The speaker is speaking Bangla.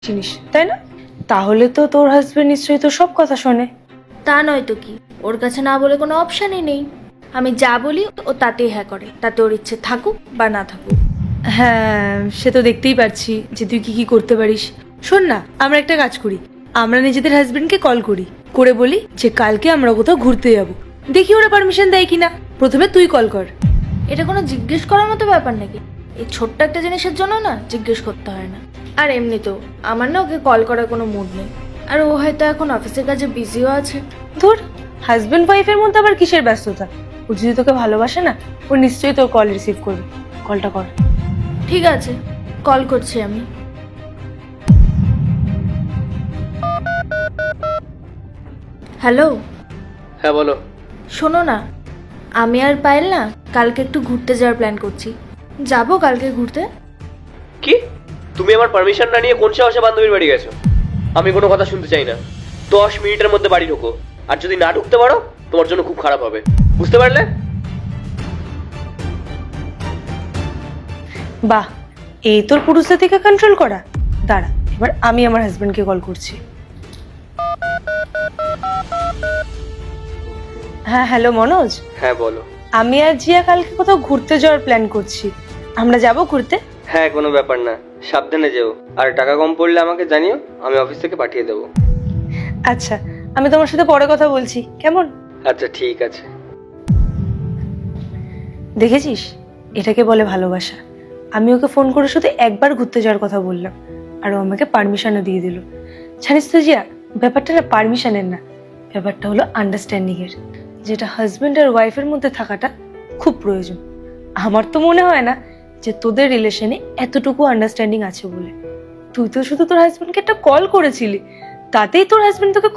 জিনিস, তাই না? তাহলে তো তোর হাজবেন্ড নিশ্চয়ই তোর সব কথা শোনে। তা নয় তো কি, ওর কাছে না বলে কোনো অপশানই নেই। আমি যা বলি ও তাতেই হ্যাঁ করে, তাতে ওর ইচ্ছে থাকুক বা না থাকুক। হ্যাঁ, সে তো দেখতেই পারছি যে তুই কি কি করতে পারিস। শোন না, আমরা একটা কাজ করি, আমরা নিজেদের হাজবেন্ডকে কল করি, করে বলি যে কালকে আমরা কোথাও ঘুরতে যাব, দেখি ওরা পারমিশন দেয় কিনা। প্রথমে তুই কল কর। এটা কোনো জিজ্ঞেস করার মতো ব্যাপার নাকি? এই ছোট্ট একটা জিনিসের জন্য না জিজ্ঞেস করতে হয় না। আর এমনিতেও আমার না ওকে কল করার কোনো মুড নেই, আর ও হয়তো এখন অফিসের কাজে বিজিও আছে। ধুর, হাজবেন্ড ওয়াইফের মধ্যে আবার কিসের ব্যস্ততা? ও যদি তোকে ভালোবাসে না, ও নিশ্চয়ই তোর কল রিসিভ করবে। কলটা কর। ঠিক আছে, কল করছি আমি। হ্যালো, হ্যাঁ বলো। শোনো না, আমি আর পায়েল না কালকে একটু ঘুরতে যাওয়ার প্ল্যান করছি। যাবো কালকে ঘুরতে? কি? তুমি আমার পারমিশন না নিয়ে কোন সাহসে বান্ধবীর বাড়ি গেছো? আমি কোনো কথা শুনতে চাই না। 10 মিনিটের মধ্যে বাড়ি ঢোকো, আর যদি না ঢুকতে পারো তোমার জন্য খুব খারাপ হবে, বুঝতে পারলে? বাহ, এই তোর পুরুষদের থেকে কন্ট্রোল করা। দাঁড়া, এবার আমি আমার হাজবেন্ডকে কল করছি। হ্যাঁ, হ্যালো মনোজ। হ্যাঁ বলো। আমি আর জিয়া কালকে কোথাও ঘুরতে যাওয়ার প্ল্যান করছি, আমরা যাব ঘুরতে। হ্যাঁ, কোনো ব্যাপার না, সাবধানে যেও, আর টাকা কম পড়লে আমাকে জানিও, আমি অফিস থেকে পাঠিয়ে দেবো। আচ্ছা, আমি তোমার সাথে পরে কথা বলছি, কেমন? আচ্ছা ঠিক আছে। দেখেছিস, এটাকে বলে ভালোবাসা। আমি ওকে ফোন করে শুধু একবার ঘুরতে যাওয়ার কথা বললাম, আর ও আমাকে পারমিশনও দিয়ে দিল। জানিস তো জিয়া, ব্যাপারটা না পারমিশনের না, ব্যাপারটা হলো আন্ডারস্ট্যান্ডিং এর, যেটা হাজবেন্ড আর ওয়াইফের মধ্যে থাকাটা খুব প্রয়োজন। আমার তো মনে হয় না যে তোদের রিলেশনে এতটুকু আন্ডারস্ট্যান্ডিং আছে বলে। তুই তো শুধু তোর হাজবেন্ডকে একটা কল করেছিলি, তাতেই তোর হাজবেন্ড তোকে